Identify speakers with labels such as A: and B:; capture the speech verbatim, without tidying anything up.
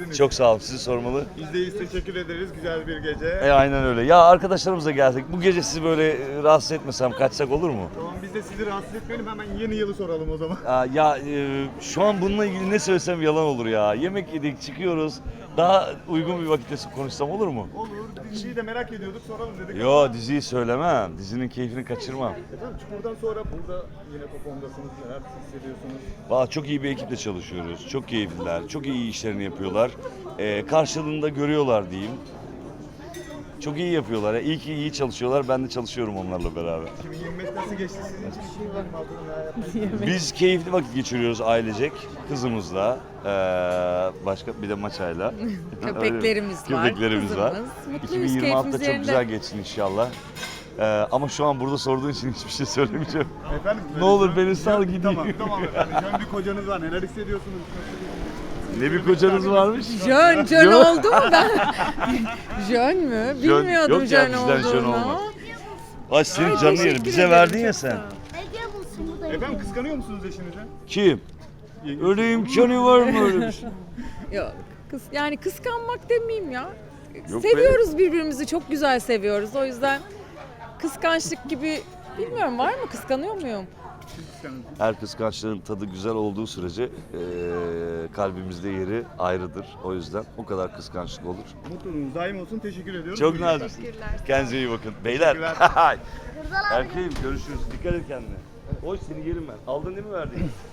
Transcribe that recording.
A: misiniz?
B: Çok sağ olun. Sizi sormalı.
A: Biz de iyiyiz, teşekkür ederiz. Güzel bir gece.
B: E aynen öyle. Ya arkadaşlarımızla geldik. Bu gece sizi böyle e, rahatsız etmesem kaçsak olur mu?
A: Tamam, biz de sizi rahatsız etmeyelim. Hemen yeni yılı soralım o zaman.
B: Aa, ya e, şu an bununla ilgili ne söylesem yalan olur ya. Yemek yedik, çıkıyoruz. Daha uygun bir vakitte konuşsam olur mu?
A: Olur. Diziyi de merak ediyorduk, soralım dedik.
B: Yo, diziyi söylemem. Dizinin keyfini kaçırmam.
A: Efendim Çukur'dan sonra burada yine Popom'dasınız. Neler hissediyorsunuz?
B: Valla çok iyi bir ekiple çalışıyoruz. Çok keyifliler. Çok iyi işlerini yapıyorlar. Ee, karşılığında görüyorlar diyeyim. Çok iyi yapıyorlar. İyi ki iyi çalışıyorlar. Ben de çalışıyorum onlarla beraber.
A: iki bin yirmi beş nasıl geçti sizin için? iki bin yirmi altıda neler yapmayı
B: Biz keyifli vakit geçiriyoruz ailecek. Kızımızla, ee, başka bir de Maçay'la.
C: Köpeklerimiz var,
B: Köpeklerimiz var.
C: kızımız. Mutluyuz,
B: iki bin yirmi altıda
C: keyfimiz
B: çok güzel
C: yerinde.
B: geçsin inşallah. Ee, ama şu an burada sorduğun için hiçbir şey söylemeyeceğim.
A: Efendim,
B: Ne olur
A: jön-
B: beni sal
A: jön-
B: gideyim.
A: Tamam, tamam efendim. Jön bir kocanız var. Neler hissediyorsunuz?
B: Ne bir kocanız varmış?
C: Jön, jön oldu mu ben? Jön mü?
B: Jön-
C: Bilmiyordum
B: yok ya,
C: jön
B: bizden jön
C: olduğunu.
B: olmaz. Ay senin
C: Ay,
B: canını yerim.
C: teşekkür
B: Bize
C: ederim,
B: verdin ya
C: çok
B: sen.
C: sağ ol.
D: Ege bulsun bu da
A: Efendim kıskanıyor musunuz eşinizi?
B: Kim? Öyle imkanı var mı öyle bir şey?
C: Yok, kıs, yani kıskanmak demeyeyim ya.
B: Yok
C: Seviyoruz birbirimizi, çok güzel seviyoruz. O yüzden kıskançlık gibi bilmiyorum, var mı? Kıskanıyor muyum?
A: Siz kıskanın.
B: Her kıskançlığın tadı güzel olduğu sürece eee, kalbimizde yeri ayrıdır. O yüzden o kadar kıskançlık olur.
A: Mutluluğunuz daim olsun. Teşekkür ediyorum.
B: Çok
A: Buyurun.
B: naziksiniz. Kendinize iyi bakın. Beyler.
A: Teşekkürler.
B: Erkeğim görüşürüz. Dikkat et kendine. Oy seni yerim ben. Aldın değil mi verdiğin?